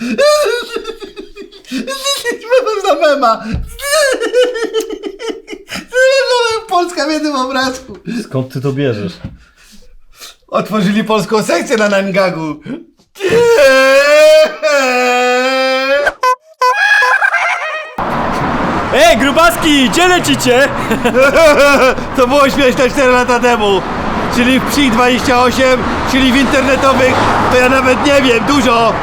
Można mema. Polska w jednym obrazku. Skąd ty to bierzesz? Otworzyli polską sekcję na Nangagu. Ej, grubaski, gdzie lecicie? To było śmieszne 4 lata temu. Czyli w PSI 28, czyli w internetowych, to ja nawet nie wiem, dużo.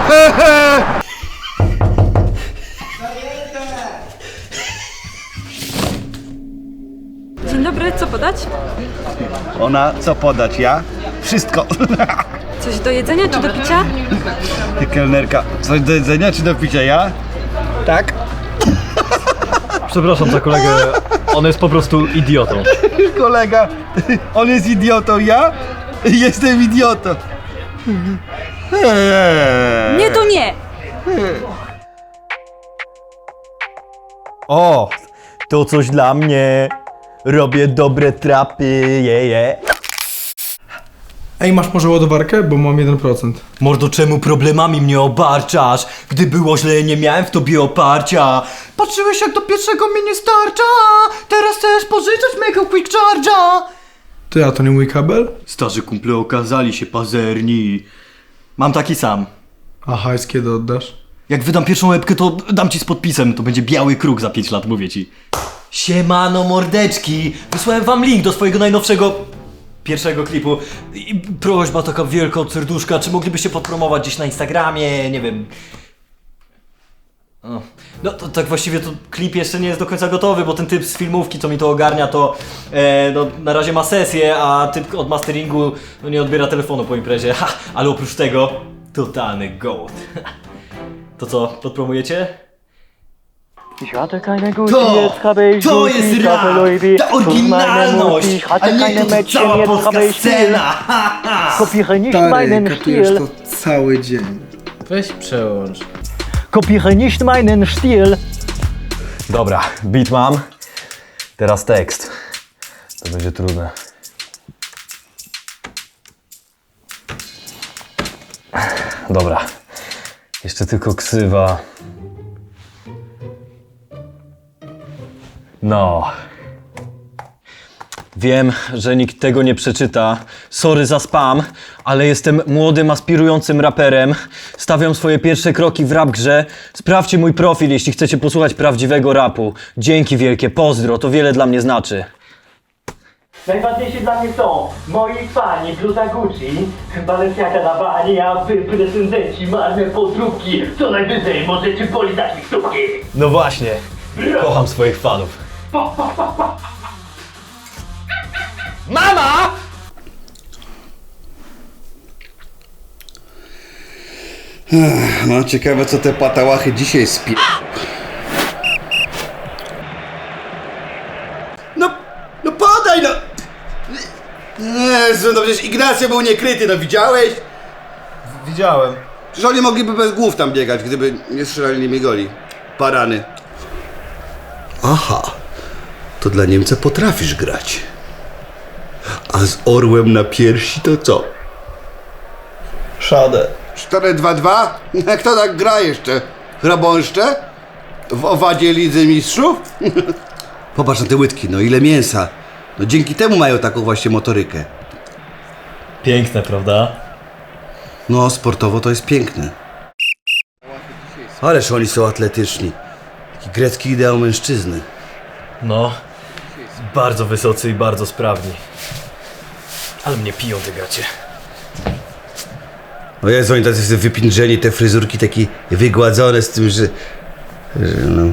Dzień dobry, co podać? Ona, co podać? Ja? Wszystko. Coś do jedzenia czy do picia? Kelnerka, coś do jedzenia czy do picia? Ja? Tak? Przepraszam za kolegę, on jest po prostu idiotą. Kolega, on jest idiotą, ja? Jestem idiotą. Nie, to nie! O, to coś dla mnie. Robię dobre trapy, jeje. Ej, masz może ładowarkę? Bo mam 1%. Mordo, czemu problemami mnie obarczasz? Gdy było źle, nie miałem w tobie oparcia. Patrzyłeś, jak do pierwszego mi nie starcza. Teraz chcesz pożyczać mego quick charge'a. Ty, a to nie mój kabel? Starzy kumple okazali się pazerni. Mam taki sam. A hajs kiedy oddasz? Jak wydam pierwszą łebkę, to dam ci z podpisem. To będzie biały kruk za 5 lat, mówię ci. Siemano, mordeczki. Wysłałem wam link do swojego najnowszego... pierwszego klipu. I prośba taka wielka od serduszka, czy moglibyście podpromować gdzieś na Instagramie, nie wiem. O. No to tak właściwie to klip jeszcze nie jest do końca gotowy, bo ten typ z filmówki, co mi to ogarnia, to no, na razie ma sesję, a typ od masteringu no, nie odbiera telefonu po imprezie. Ha, ale oprócz tego totalny gołd. To co, podpromujecie? To jest rap! Ta oryginalność! A nie to cała polska scena! Stary, kapujesz to cały dzień. Weź przełącz. Kopiere nicht meinen Stil. Dobra, beat mam. Teraz tekst. To będzie trudne. Dobra. Jeszcze tylko ksywa. No. Wiem, że nikt tego nie przeczyta. Sorry za spam, ale jestem młodym, aspirującym raperem. Stawiam swoje pierwsze kroki w rap grze. Sprawdźcie mój profil, jeśli chcecie posłuchać prawdziwego rapu. Dzięki wielkie, pozdro, to wiele dla mnie znaczy. Najważniejsi dla mnie są moi fani, bluza Gucci, Balenciaga na bani, a wy prezendenci, marne podróbki. Co najwyżej możecie polizać mi stópki. No właśnie, kocham swoich fanów. Mama! No ciekawe, co te patałachy dzisiaj spie... No podaj no! Jezu, no przecież Ignacio był niekryty, no widziałeś? Widziałem. Przecież oni mogliby bez głów tam biegać, gdyby nie strzelali nimi goli. Parany. Aha, to dla Niemca potrafisz grać. A z orłem na piersi to co? Szadę. 4-2-2? Kto tak gra jeszcze? Hrabąszcze? W owadzie Lidzy Mistrzów? Popatrz na te łydki, no ile mięsa. No dzięki temu mają taką właśnie motorykę. Piękne, prawda? No sportowo to jest piękne. Ależ oni są atletyczni. Taki grecki ideał mężczyzny. No, bardzo wysocy i bardzo sprawni. Ale mnie piją te gacie. O Jezu, oni tacy wypindrzeni, te fryzurki takie wygładzone z tym, że no...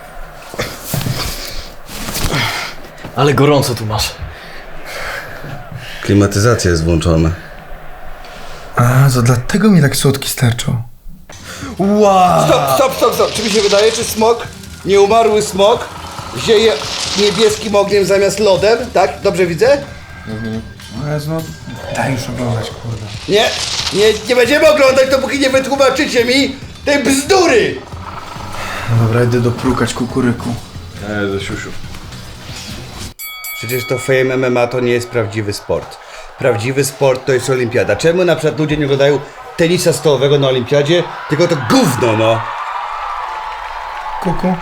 Ale gorąco tu masz. Klimatyzacja jest włączona. A, to dlatego mi tak słodki starczą. Wow! Stop. Czy mi się wydaje, czy smok, nieumarły smok, zieje niebieskim ogniem zamiast lodem, tak? Dobrze widzę? O Jezu, no daj już oglądać, kurde. Nie będziemy oglądać, dopóki nie wytłumaczycie mi tej bzdury! No dobra, idę doprukać kukuryku. Ze siusiu. Przecież to Fame MMA to nie jest prawdziwy sport. Prawdziwy sport to jest olimpiada. Czemu na przykład ludzie nie oglądają tenisa stołowego na olimpiadzie, tylko to gówno, no. Kuku.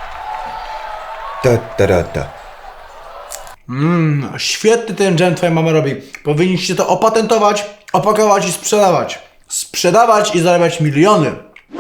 Ta. Świetny ten dżem twoja mama robi. Powinniście to opatentować, opakować i sprzedawać. Sprzedawać i zarabiać miliony.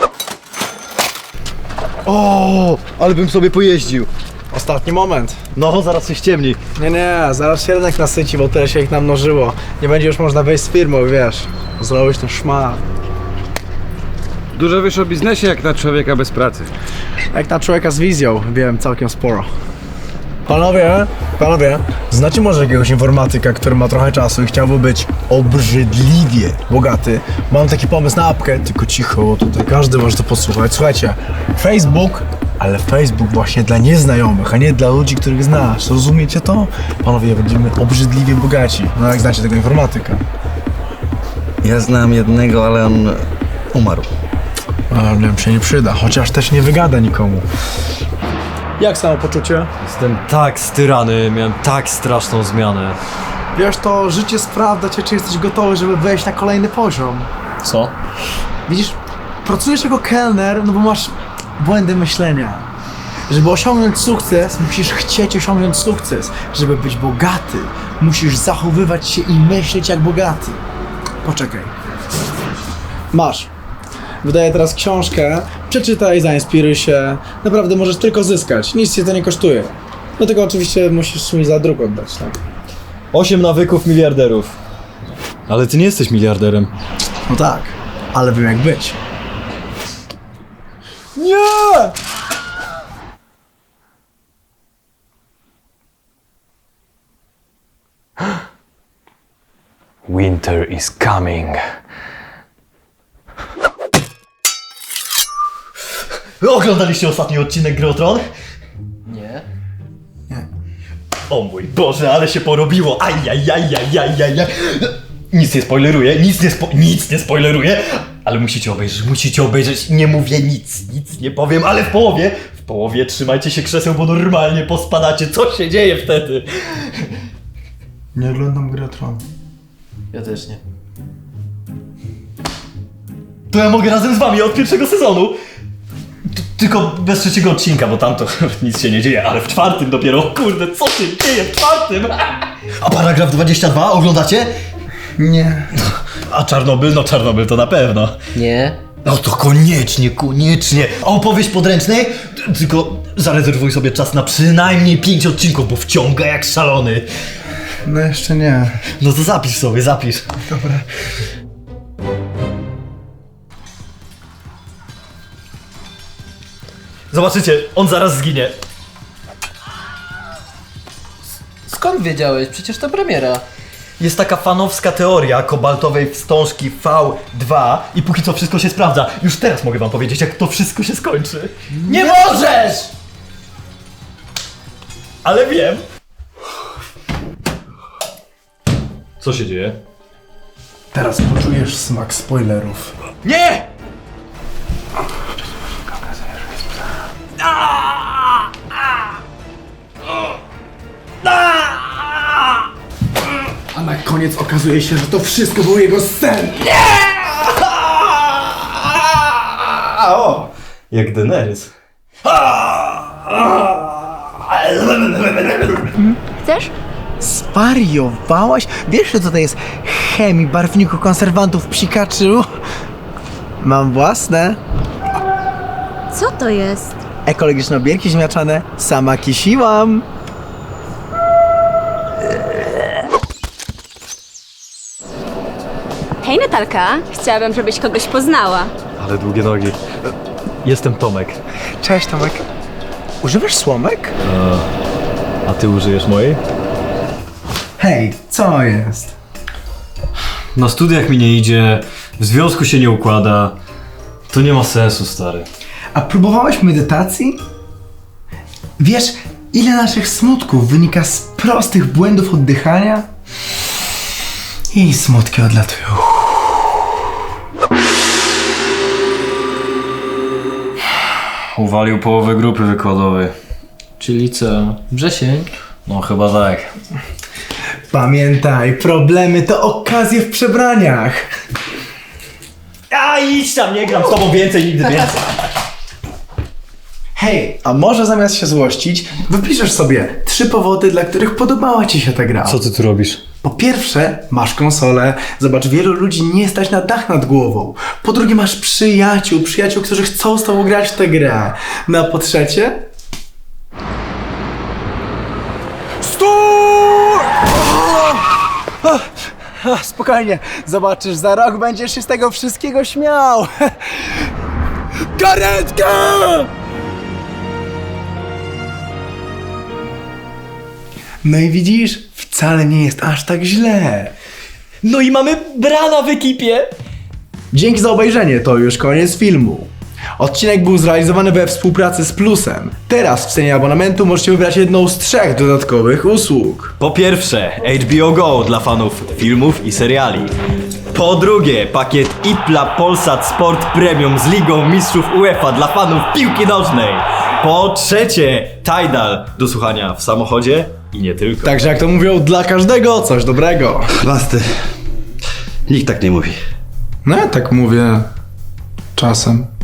O, ale bym sobie pojeździł. Ostatni moment. No, zaraz się ściemni. Nie, zaraz się rynek nasyci, bo tyle się ich namnożyło. Nie będzie już można wejść z firmą, wiesz. Zrobić ten szmal. Dużo wiesz o biznesie jak na człowieka bez pracy. Jak na człowieka z wizją, wiem całkiem sporo. Panowie, znacie może jakiegoś informatyka, który ma trochę czasu i chciałby być obrzydliwie bogaty? Mam taki pomysł na apkę, tylko cicho, tutaj każdy może to posłuchać. Słuchajcie, Facebook, ale Facebook właśnie dla nieznajomych, a nie dla ludzi, których znasz. Rozumiecie to? Panowie, będziemy obrzydliwie bogaci. No jak znacie tego informatyka? Ja znam jednego, ale on umarł. Ale nam się nie przyda, chociaż też nie wygada nikomu. Jak samopoczucie? Jestem tak styrany, miałem tak straszną zmianę. Wiesz, to życie sprawdza cię, czy jesteś gotowy, żeby wejść na kolejny poziom. Co? Widzisz, pracujesz jako kelner, no bo masz błędy myślenia. Żeby osiągnąć sukces, musisz chcieć osiągnąć sukces. Żeby być bogaty, musisz zachowywać się i myśleć jak bogaty. Poczekaj. Masz. Wydaję teraz książkę, przeczytaj, zainspiruj się. Naprawdę możesz tylko zyskać, nic cię to nie kosztuje. No tylko oczywiście musisz mi za druk oddać, tak? 8 nawyków miliarderów. Ale ty nie jesteś miliarderem. No tak, ale wiem jak być. Nie! Winter is coming. Oglądaliście ostatni odcinek Gry o Tron? Nie. O mój Boże, ale się porobiło. Ajajajajajajaj. Nic nie spoileruję, nic nie spoileruję. Ale musicie obejrzeć. Nie mówię nic nie powiem, ale w połowie trzymajcie się krzeseł, bo normalnie pospadacie. Co się dzieje wtedy? Nie oglądam Gry o Tron. Ja też nie. To ja mogę razem z wami od pierwszego sezonu. Tylko bez trzeciego odcinka, bo tam to nic się nie dzieje, ale w czwartym dopiero, kurde, co się dzieje w czwartym? A paragraf 22 oglądacie? Nie. A Czarnobyl? No Czarnobyl to na pewno. Nie. No to koniecznie. A opowieść podręcznej? Tylko zarezerwuj sobie czas na przynajmniej 5 odcinków, bo wciąga jak szalony. No jeszcze nie. No to zapisz sobie. Dobra. Zobaczycie, on zaraz zginie. Skąd wiedziałeś? Przecież to premiera. Jest taka fanowska teoria kobaltowej wstążki V2 i póki co wszystko się sprawdza. Już teraz mogę wam powiedzieć, jak to wszystko się skończy. Nie możesz! Ale wiem. Co się dzieje? Teraz poczujesz smak spoilerów. Nie! A na koniec okazuje się, że to wszystko był jego sen. O! Jak Daenerys. Chcesz? Zwariowałaś? Wiesz, że tutaj jest chemii, barwników, konserwantów, psikaczy? Mam własne. Co to jest? Ekologiczne obierki ziemniaczane. Sama kisiłam. Hej Natalka, chciałabym, żebyś kogoś poznała. Ale długie nogi. Jestem Tomek. Cześć Tomek. Używasz słomek? A ty użyjesz mojej? Hej, co jest? Na studiach mi nie idzie, w związku się nie układa. To nie ma sensu, stary. A próbowałeś medytacji? Wiesz, ile naszych smutków wynika z prostych błędów oddychania? I smutki odlatują. Uwalił połowę grupy wykładowej. Czyli co? Wrzesień? No chyba tak. Pamiętaj, problemy to okazje w przebraniach. A idź tam, nie gram z tobą więcej, nigdy więcej. Hej, a może zamiast się złościć, wypiszesz sobie 3 powody, dla których podobała ci się ta gra. Co ty tu robisz? Po pierwsze, masz konsolę. Zobacz, wielu ludzi nie stać na dach nad głową. Po drugie, masz przyjaciół, którzy chcą z tobą grać w tę grę. No a po trzecie... Spokojnie, zobaczysz, za rok będziesz się z tego wszystkiego śmiał. Karetka! No i widzisz, wcale nie jest aż tak źle. No i mamy Brana w ekipie. Dzięki za obejrzenie, to już koniec filmu. Odcinek był zrealizowany we współpracy z Plusem. Teraz w cenie abonamentu możecie wybrać jedną z 3 dodatkowych usług. Po pierwsze, HBO Go dla fanów filmów i seriali. Po drugie, pakiet IPLA Polsat Sport Premium z Ligą Mistrzów UEFA dla fanów piłki nożnej. Po trzecie, Tidal do słuchania w samochodzie i nie tylko. Także jak to mówią, dla każdego coś dobrego. Basty. Nikt tak nie mówi. No ja tak mówię czasem.